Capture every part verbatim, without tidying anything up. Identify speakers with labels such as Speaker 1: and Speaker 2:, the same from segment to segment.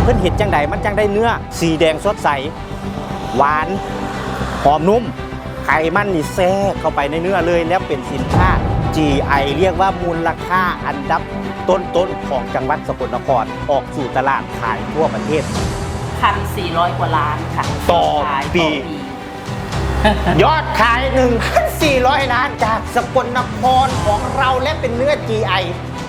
Speaker 1: เพิ่นเห็ดจังใดมันจังได้เนื้อสีแดงสดใสหวานหอมนุ่มไขมันนี่แทรกเข้าไปในเนื้อเลยแล้วเป็นสินค้า จี ไอ เรียกว่ามูลค่าอันดับต้นๆของจังหวัดสกลนครออกสู่ตลาดขายทั่วประเทศ
Speaker 2: หนึ่งพันสี่ร้อย กว่าล้านค่ะ
Speaker 1: ต่อปียอดขาย หนึ่งพันสี่ร้อย ล้านจากสกลนครของเราและเป็นเนื้อ จี ไอ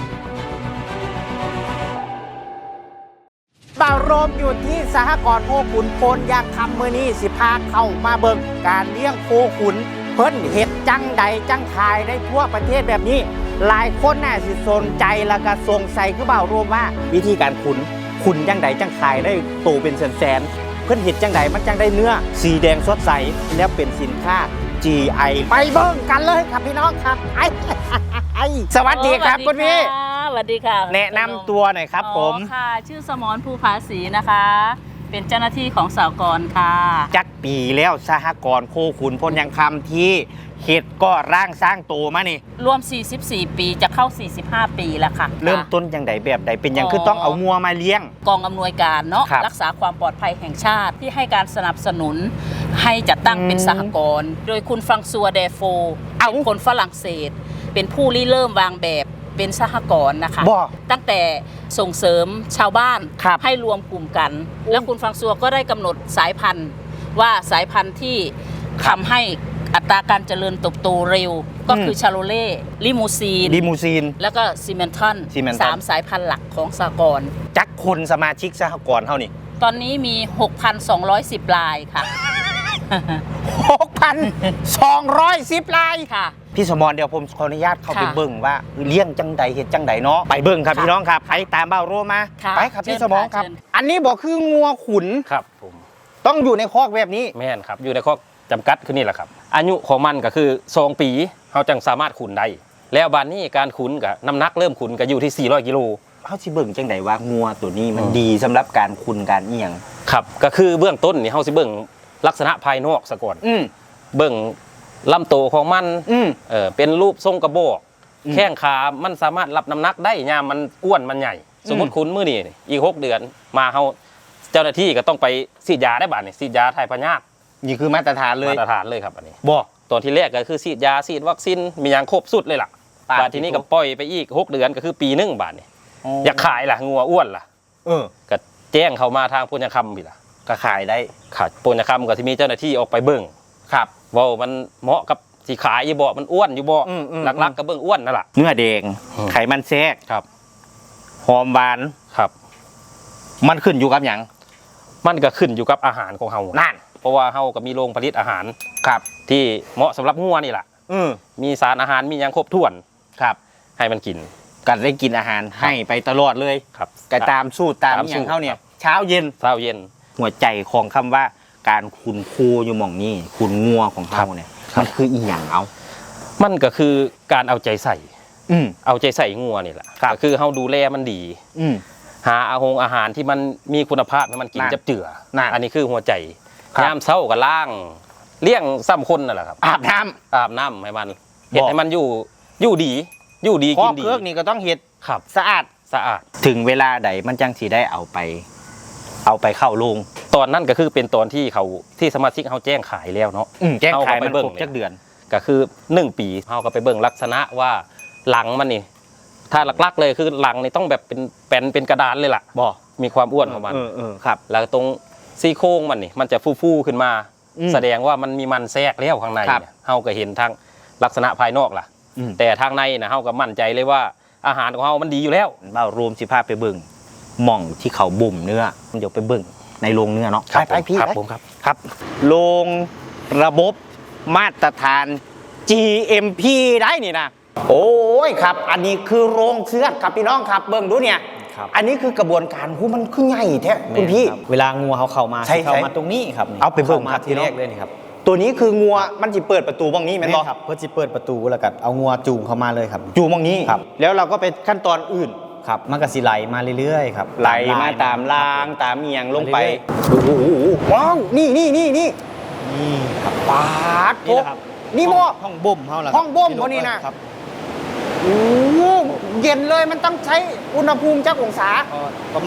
Speaker 1: บ่าวโรมอยู่ที่สหกรณ์โคขุนพลยางคำมือนี้สิพาเข้ามาเบิ่งการเลี้ยงโคขุนเพิ่นเห็ดจังใดจังขายได้ทั่วประเทศแบบนี้หลายคนน่าสิสนใจแล้วก็สงสัยคือบ่าวโรมว่าวิธีการขุนขุนจังใดจังขายได้โตเป็นแสนๆเพิ่นเห็ดจังใดมันจังได้เนื้อสีแดงสดใสแล้วเป็นสินค้า จี ไอ ไปเบิ่งกันเลยครับพี่น้องครับไอ้สวัสดีครับคุณพี่
Speaker 2: สวัสดีค่ะ
Speaker 1: แนะนำตัวหน่อยครับผม
Speaker 2: ค่ะชื่อสมรภูภาสีนะคะเป็นเจ้าหน้าที่ของสหกรณ์ค่ะ
Speaker 1: จักปีแล้วสหกรณ์โคขุนพลยังคำที่เห็ดก็ร่างสร้างโตมานี่
Speaker 2: รวมสี่สิบสี่ปีจะเข้าสี่สิบห้าปีแล้วค่ะ
Speaker 1: เริ่มต้นยังไงแบบใดเป็นยังคือต้องเอางัวมาเลี้ยง
Speaker 2: กองอำนวยการเนาะรักษาความปลอดภัยแห่งชาติที่ให้การสนับสนุนให้จัดตั้งเป็นสหกรณ์โดยคุณฟรังซัวเดโฟเป็นคนฝรั่งเศสเป็นผู้ริเริ่มวางแบบเป็นสหกรณ์นะคะตั้งแต่ส่งเสริมชาวบ้านให้รวมกลุ่มกันแล้วคุณฟรังซัวก็ได้กำหนดสายพันธุ์ว่าสายพันธุ์ที่ทำให้อัตราการเจริญเติบโตเร็วก็คือชาโลเล่ลิมูซีน
Speaker 1: ลิมูซีน
Speaker 2: แล้วก็ซีเมนทันสามสายพันธุ์หลักของสหกรณ์
Speaker 1: จักคนสมาชิกสหกรณ์เท่านี้
Speaker 2: ตอนนี้มี หกพันสองร้อยสิบ รายค่ะ
Speaker 1: หกพันสองร้อยสิบ ราย
Speaker 2: ค่ะ
Speaker 1: พี่สมรเดี๋ยวผมขออนุญาตเข้าไปเบิ่งว่าเลี้ยงจังใดเห็ดจังใดเนาะไปเบิ่งครับพี่น้องครับไปตามบ่าวโรมาไปครับพี่สมรครับอันนี้บอกคืองัวขุน
Speaker 3: ครับผม
Speaker 1: ต้องอยู่ในคอกแบบนี้
Speaker 3: แม่นครับอยู่ในคอกจำกัดคือนี่แหละครับอายุของมันก็คือสองปีเขาจังสามารถขุนได้แล้วบานนี้การขุนกับน้ำหนักเริ่มขุนก็อยู่ที่สี่ร้อยกิโล
Speaker 1: เขาสิเบิ่งจังใดว่างัวตัวนี้มันดีสำหรับการขุนการเอียง
Speaker 3: ครับก็คือเบื้องต้นนี่เขาสิเบิ่งลักษณะภายนอกซะก่อนเบิ่งลำโตของมันเออเป็นรูปทรงกระบอกแข้งขามันสามารถรับน้ำหนักได้ยามมันอ้วนมันใหญ่สมมติขุนมื้อนี้อีกหกเดือนมาเขาเจ้าหน้าที่ก็ต้องไปฉีดยาได้บาดนี่ฉีดยาถ่ายพยาธิ
Speaker 1: นี่คือมาตรฐานเลย
Speaker 3: มาตรฐานเลยครับอันนี้บอกตอนที่แรกก็คือฉีดยาฉีดวัคซีนมีอย่างครบสุดเลยล่ะบาดทีนี้ก็ปล่อยไปอีกหกเดือนก็คือปีหนึ่งบาทนี่อยากขายล่ะงัวอ้วนล่ะ
Speaker 1: เออ
Speaker 3: ก็แจ้งเขามาทางปุญญคำพี่ล่ะ
Speaker 1: ก็ขายได้
Speaker 3: ขายปุญญคำก็ที่มีเจ้าหน้าที่ออกไปเบิ่ง
Speaker 1: ครับ
Speaker 3: ว่ามันเหมาะกับสีขายอยู่บ่มันอ้วนอยู่บ่หลักๆก็เบิ่งอ้วนนั่นแหละ
Speaker 1: เนื้อแดงไขมันแทรก
Speaker 3: ครับ
Speaker 1: หอมหวาน
Speaker 3: ครับ
Speaker 1: มันขึ้นอยู่กับอย่าง
Speaker 3: มันก็ขึ้นอยู่กับอาหารของเฮา
Speaker 1: นั่น
Speaker 3: เพราะว่าเฮาก็มีโรงผลิตอาหาร
Speaker 1: ครับ
Speaker 3: ที่เหมาะสำหรับงัวนี่แหละมีสารอาหารมีอย่างครบถ้วน
Speaker 1: ครับ
Speaker 3: ให้มันกิน
Speaker 1: กันได้กินอาหารให้ไปตลอดเลย
Speaker 3: ครับ
Speaker 1: ก็ตามสูตรตามอย่างเท่าเนี่ยเช้าเย็น
Speaker 3: เช้าเย็น
Speaker 1: หัวใจของคำว่าการขุนคูอยู่หม่องนี้ขุนงัวของเขาเนี่ยมันคืออีหยังเอา
Speaker 3: มันก็คือการเอาใจใส่
Speaker 1: อืม
Speaker 3: เอาใจใส่งัวนี่แหละก็คือเฮาดูแลมันดี
Speaker 1: อืม
Speaker 3: หาอาหงอาหารที่มันมีคุณภาพให้มันกินจับเจืออันนี้คือหัวใจยามเช้าก็ล้างเลี้ยงซ้ำคนนั่นแหละครับ
Speaker 1: อาบน้
Speaker 3: ำอาบน้ำให้มันเห็ดให้มันอยู่อยู่ดีอยู่ดีกินดี
Speaker 1: เครื่องนี่ก็ต้องเห็ด
Speaker 3: ครับ
Speaker 1: สะอาด
Speaker 3: สะอาด
Speaker 1: ถึงเวลาใดมันจังสีได้เอาไปเอาไปเข้าโรง
Speaker 3: ตอนนั้นก็คือเป็นตอนที่เขาที่สมาชิกเขาแจ้งขายแล้วเนาะ
Speaker 1: แจ้งขายมันครบจักเดือน
Speaker 3: ก็คือหนึ่งปีเขาก็ไปเบิ่งลักษณะว่าหลังมันนี่ถ้าหลักๆเลยคือหลังนี่ต้องแบบเป็นแผ่นเป็นกระดานเลยล่ะ
Speaker 1: บ่
Speaker 3: มีความอ้วนของมัน
Speaker 1: เออเออครับ
Speaker 3: แล้วตรงซี่โครงมันนี่มันจะฟูๆขึ้นมาแสดงว่ามันมีมันแทรกแล้วข้างในเนี่ยเฮาก็เห็นทางลักษณะภายนอกล่ะแต่ทางในนะเฮาก็มั่นใจเลยว่าอาหารของเฮามันดีอยู่แล้ว
Speaker 1: เบ้ารวมสิพาไปเบิ่งหม่องที่เขาบ่มเนื้อเดี๋ยวไปเบิ่งในโรงเนื้อเนาะ
Speaker 3: ไปไปพี่ครับผมครับ
Speaker 1: ครับโรงระบบมาตรฐาน จี เอ็ม พี ได้นี่นะโอ้ยครับอันนี้คือโรงเชือดครับพี่น้องครับเบิ่งดูเนี่ยอันนี้คือกระบวนการหูมันคือใหญ่แท้คุณพี่
Speaker 4: เวลางัวเขาเข้ามาเข้ามาตรงนี้ครับ
Speaker 1: เอาไปเบิ่ง
Speaker 4: มาทีแรกเลยนี่ครับ
Speaker 1: ตัวนี้คืองัวมันจะเปิดประตูบ้องนี้แม่นบ่
Speaker 4: ครับเพื่อจะเปิดประตูแล้วก็เอางัวจูงเข้ามาเลยครับ
Speaker 1: จูงบ้องนี้ครับแล้วเราก็ไปขั้นตอนอื่น
Speaker 4: ครับมันก็สิไหลมาเรื่อยๆครับ
Speaker 1: ไหลมาตามรางตามเมียงลงไปโอ้โหว้าวนี่นี่นี่นี่
Speaker 4: นี่ครับ
Speaker 1: ปาดนี่ครับนี่บ่
Speaker 4: ห้องบ่มเฮาล่ะ
Speaker 1: ห้องบ่มบ่นี่นะครับโอ้เย็นเลยมันต้องใช้อุณหภูมิจักองศา
Speaker 4: ประมาณ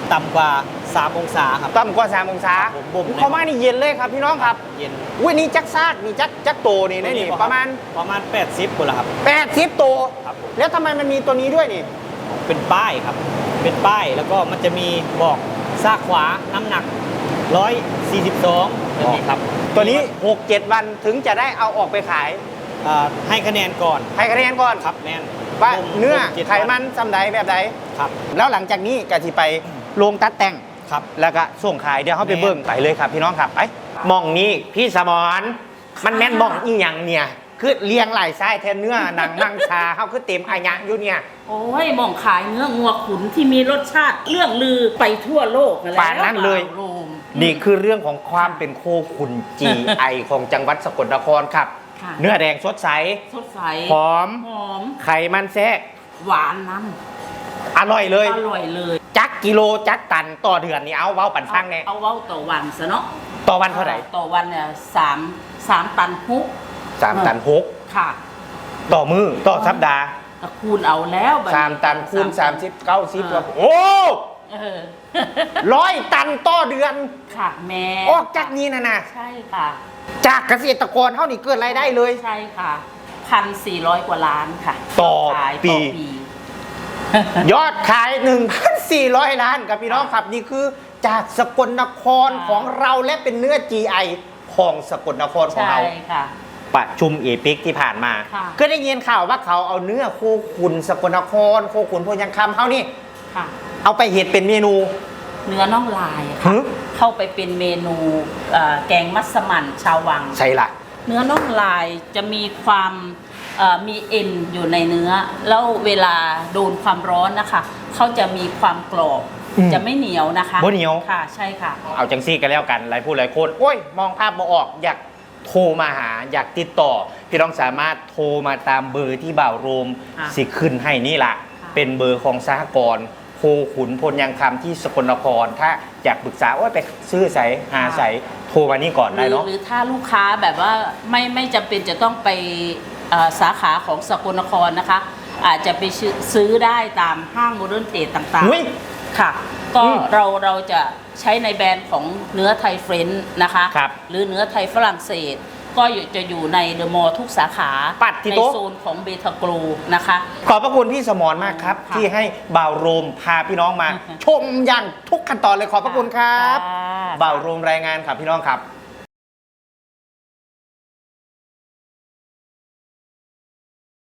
Speaker 4: ต่ำกว่าสามองศาครับ
Speaker 1: ต่ำกว่าสามองศา
Speaker 4: ผมบ่ม
Speaker 1: เข้ามานี่เย็นเลยครับพี่น้องครับ
Speaker 4: เย็น
Speaker 1: อุ้ยนี่จักซาดนี่จักจักโตนี่นะนี่ประมาณ
Speaker 4: ประมาณแปดสิบคนละครับ
Speaker 1: แปดสิบโต
Speaker 4: ครับผม
Speaker 1: แล้วทำไมมันมีตัวนี้ด้วยนี่
Speaker 4: เป็นป้ายครับ เป็นป้ายแล้วก็มันจะมีบอกซากขวาน้ำหนักร้อยสี่สิบสองแบบนี้ครับ
Speaker 1: ตัวนี้หกเจ็ดวันถึงจะได้เอาออกไปขาย
Speaker 4: อ่าให้คะแนนก่อน
Speaker 1: ให้คะแนนก่อน
Speaker 4: ครับแม่น
Speaker 1: ว่า
Speaker 4: บ่ม
Speaker 1: เนื้อ
Speaker 4: บ่จ็ด
Speaker 1: ไขมันสำใดแบบใด
Speaker 4: ครับ
Speaker 1: แล้วหลังจากนี้ก็ที่ไปโรงตัดแต่ง
Speaker 4: ครับ
Speaker 1: แล้วก็ส่งขายเดี๋ยวเขาไป
Speaker 4: แม่น
Speaker 1: เบิ่งไปเลยครับพี่น้องครับไปมองนี้พี่สมรมันแม่นมองอีหยังเนี่ยคือเลี้ยงหลายไส้แทนเนื้อหนังมังชาเขาคือเต็มอายังอยู่เนี่ย
Speaker 2: โอ้ยหมองขายเนื้องัวขุนที่มีรสชาติเรื่องลือไปทั่วโลกแล้ว
Speaker 1: ป่านนั้นเลย
Speaker 2: โรม
Speaker 1: นี่คือเรื่องของความเป็นโคขุน จี ไอ ของจังหวัดสกลนครครับ
Speaker 2: ค่ะ
Speaker 1: เนื้อแดงสดใส
Speaker 2: สดใส
Speaker 1: หอม
Speaker 2: หอม
Speaker 1: ไขมันแทรก
Speaker 2: หวานน้
Speaker 1: อร่อยเลย
Speaker 2: ำอร่อยเลย
Speaker 1: จักกิโลจักตันต่อเดือนนี่เอาเว้าปันฟังแน่
Speaker 2: เอาเว้าต่อวันซะเนาะ
Speaker 1: ต่อวันเท่าไหร่
Speaker 2: ต่อวันเนี่ยสามสามตันฮุก
Speaker 1: สามตันหก
Speaker 2: ค่ะ
Speaker 1: ต่อมือต่อสัปดาห์
Speaker 2: ก็คูณเอาแล้วบัด
Speaker 1: สามตันคูณสามสิบเก้าสิบ
Speaker 2: เออ
Speaker 1: โอ้
Speaker 2: เออ
Speaker 1: ร้อยตันต่อเดือน
Speaker 2: ค่ะแม่
Speaker 1: ออกจากนี้นะนะ
Speaker 2: ใช่ค่ะ
Speaker 1: จากเกษตรกรเท่านี้เกิดรายได้เลย
Speaker 2: ใช่ค่ะพันสี่ร้อยกว่าล้านค่ะ
Speaker 1: ต่อ
Speaker 2: ขาย
Speaker 1: ปี
Speaker 2: ต่อปี
Speaker 1: ยอดขาย หนึ่งพันสี่ร้อย ล้านกับพี่น้องครับ นี่คือจากสกลนคร
Speaker 2: ค่ะ
Speaker 1: ของเราและเป็นเนื้อ จี ไอ ของสกลนครของ
Speaker 2: ใช่
Speaker 1: เรา
Speaker 2: ค่ะ
Speaker 1: ประชุมเอปิกที่ผ่านมา
Speaker 2: ค่ะ
Speaker 1: ก็ได้ยินข่าวว่าเขาเอาเนื้อโคขุนสกลนคร โคขุนพยังคำเขานี่
Speaker 2: ค่ะ
Speaker 1: เอาไปเห็ดเป็นเมนู
Speaker 2: เนื้อน่องลาย
Speaker 1: ฮึ
Speaker 2: ค่ะ เข้าไปเป็นเมนูเอ่อแกงมัสมั่นชาววัง
Speaker 1: ใช่ละ
Speaker 2: เนื้อน่องลายจะมีความเอ่อมีเอ็นอยู่ในเนื้อ แล้วเวลาโดนความร้อนนะคะ เขาจะมีความกรอบ
Speaker 1: อืม
Speaker 2: จะไม่เหนียวนะคะ
Speaker 1: บ่เหนียว
Speaker 2: ค่ะ ใช่ค่ะ
Speaker 1: เอาจังซี่กันแล้วกันหลายผู้หลายคนโอ้ย มองภาพบ่ออก อยากโทรมาหา อยากติดต่อ พี่น้องสามารถโทรมาตามเบอร์ที่บ่าวโรม
Speaker 2: ค่ะ
Speaker 1: สิขึ้นให้นี่ละ
Speaker 2: ค่ะ
Speaker 1: เป็นเบอร์ของสหกรณ์โคขุนพลยังคำที่สกลนคร ถ้าอยากปรึกษาว่าไปซื้อใสหาใสโทรมานี่ก่อน
Speaker 2: ห
Speaker 1: ได้
Speaker 2: รือ
Speaker 1: เนาะ
Speaker 2: หรือถ้าลูกค้าแบบว่าไม่ไม่จำเป็นจะต้องไปเอ่อสาขาของสกลนครนะคะ อาจจะไปซื้อซื้อได้ตามห้างโมเดิร์นเทรดต่าง
Speaker 1: อุ๊ย
Speaker 2: ๆค่ะ ก็
Speaker 1: อืม
Speaker 2: เราเราจะใช้ในแบรนด์ของเนื้อไทยเฟรนช์นะคะ
Speaker 1: ครับ
Speaker 2: หรือเนื้อไทยฝรั่งเศส ก็อยู่จะอยู่ในเดอะมอลล์ทุกสาขา
Speaker 1: ปัดที่
Speaker 2: ใน
Speaker 1: โต๊ะ
Speaker 2: โซนของเบทาโกรนะคะ
Speaker 1: ขอบพระคุณพี่สมรมากครับ
Speaker 2: ค่ะ
Speaker 1: ที่ให้บ่าวโรมพาพี่น้องมา
Speaker 2: ค่ะ
Speaker 1: ชมอย่างทุกขั้นตอนเลยขอบพระคุณครับ
Speaker 2: ค่ะ
Speaker 1: บ่าวโรมรายงานครับพี่น้องครับ